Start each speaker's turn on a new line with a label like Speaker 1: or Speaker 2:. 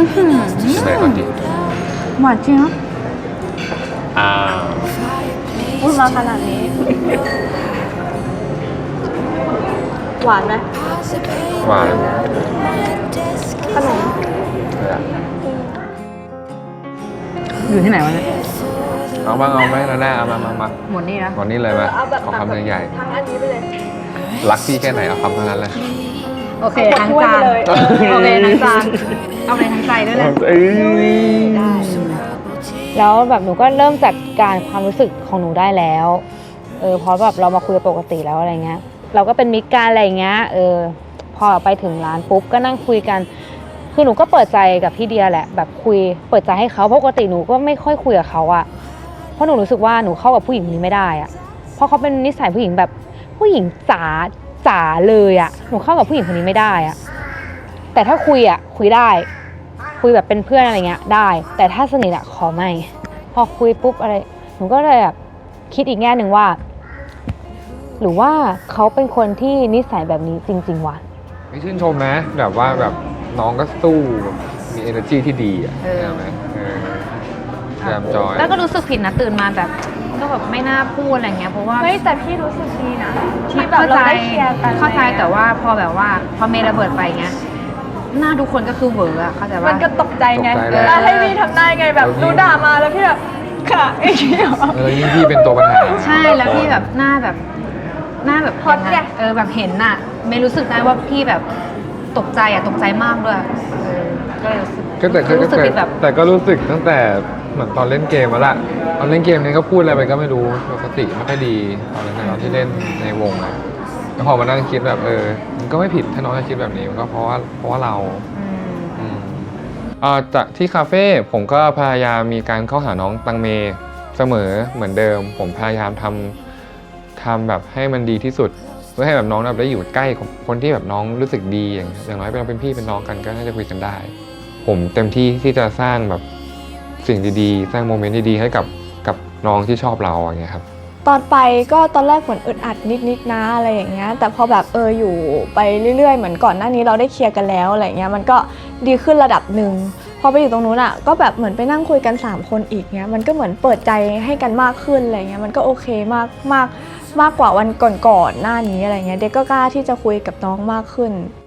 Speaker 1: เลยก่อนดิ
Speaker 2: หวานจริงนะ
Speaker 1: อ้าว
Speaker 2: พูดมาขนาดนี้ หวานไหม
Speaker 1: หวาน
Speaker 2: ขนม
Speaker 1: เลยอะ
Speaker 2: อยู่ที่ไหนวะเนี่ย
Speaker 1: เอาบ้างเอาไหมนะหน้าเอามา
Speaker 2: หมดนี่นะ
Speaker 1: ก่อนนี้เลยมาขอคำใหญ่
Speaker 2: ทั้งอันนี้ไปเลย
Speaker 1: ๆรักพี่แค่ไหนเอาคำเท่านั้นเลย
Speaker 2: โอเคทั้งจานโอเคทั้งจานเอาเลยทั้งใจด้วยนะ
Speaker 1: เอ้ย
Speaker 2: ได้
Speaker 3: แล้วแบบหนูก็เริ่มจัดการความรู้สึกของหนูได้แล้วเพราะแบบเรามาคุยปกติแล้วอะไรเงี้ยเราก็เป็นมิตรกันอะไรเงี้ยพอไปถึงร้านปุ๊บก็นั่งคุยกันคือหนูก็เปิดใจกับพี่เดียแหละแบบคุยเปิดใจให้เขาปกติหนูก็ไม่ค่อยคุยกับเขาอะเพราะหนูรู้สึกว่าหนูเข้ากับผู้หญิงคนนี้ไม่ได้อะเพราะเขาเป็นนิสัยผู้หญิงแบบผู้หญิงจ๋าเลยอะหนูเข้ากับผู้หญิงคนนี้ไม่ได้อะแต่ถ้าคุยอะคุยได้คุยแบบเป็นเพื่อนอะไรเงี้ยได้แต่ถ้าสนิทอะขอไม่พอคุยปุ๊บอะไรหนูก็เลยแบบคิดอีกแง่หนึ่งว่าหรือว่าเขาเป็นคนที่นิสัยแบบนี้จริงๆวะ
Speaker 1: ไม่ชื่นชมนะแบบว่าแบบน้องก็สู้แบบมี energy ที่ดีอ่ะใช่ไหมพยายามจอย
Speaker 3: แล้วก็รู้สึกผิดนะตื่นมาแบบก็แบบไม่น่าพูดอะไรเงี้ยเพราะว่า
Speaker 2: เฮ้ยแต่พี่รู้สึกดีนะที่แบบเราได้เคลียร์กัน
Speaker 3: เข้าใจแต่ว่าพอแบบว่าพอเมย์ระเบิดไปเงี้ยหน้าทุกคนก็คือเหวออะเข้าใจว่า
Speaker 2: มันก็ตกใจไง
Speaker 1: ตกใจเลย
Speaker 2: แล้วให้พี่ทำได้ไงแบบดูด่ามาแล้วพี่แบบค่ะไอ้เหี้ย
Speaker 1: ยิ่งพี่เป็นตัวปัญหา
Speaker 3: ใช่แล้วพี่แบบหน้าแบบ
Speaker 2: ฮอตไง
Speaker 3: แบบเห็นน่ะเมย์รู้สึกได้ว่าพี่แบบตกใจตกใจมากด้วยก็เลยรู้สึก รู้สึกผิดแบบ
Speaker 1: แต่ก็รู้สึกตั้งแต่เหมือนตอนเล่นเกมแล้วล่ะตอนเล่นเกมเนี่ยก็พูดอะไรไปก็ไม่รู้สติไม่ค่อยดีตอนนั้นตอนที่เล่นในวงอะแล้วพอมานั่งคิดแบบมันก็ไม่ผิดถ้าน้องจะคิดแบบนี้มันก็เพราะว่าเราจากที่คาเฟ่ผมก็พยายามมีการเข้าหาน้องตังเมเสมอเหมือนเดิมผมพยายามทำแบบให้มันดีที่สุดเพื่อให้แบบน้องแบบได้อยู่ใกล้คนที่แบบน้องรู้สึกดีอย่างน้อยเราเป็นพี่เป็นน้องกันก็น่าจะคุยกันได้ผมเต็มที่ที่จะสร้างแบบสิ่งดีๆสร้างโมเมนต์ดีๆให้กับน้องที่ชอบเราอย่างเงี้ยครับ
Speaker 4: ตอนไปก็ตอนแรกเหมือนอึดอัดนิดๆนะอะไรอย่างเงี้ยแต่พอแบบอยู่ไปเรื่อยๆเหมือนก่อนหน้านี้เราได้เคลียร์กันแล้วอะไรเงี้ยมันก็ดีขึ้นระดับหนึ่งพอไปอยู่ตรงนู้นอ่ะก็แบบเหมือนไปนั่งคุยกัน3คนอีกเงี้ยมันก็เหมือนเปิดใจให้กันมากขึ้นอะไรเงี้ยมันก็โอเคมากกว่าวันก่อนๆหน้านี้อะไรเงี้ยเด็กก็กล้าที่จะคุยกับน้องมากขึ้น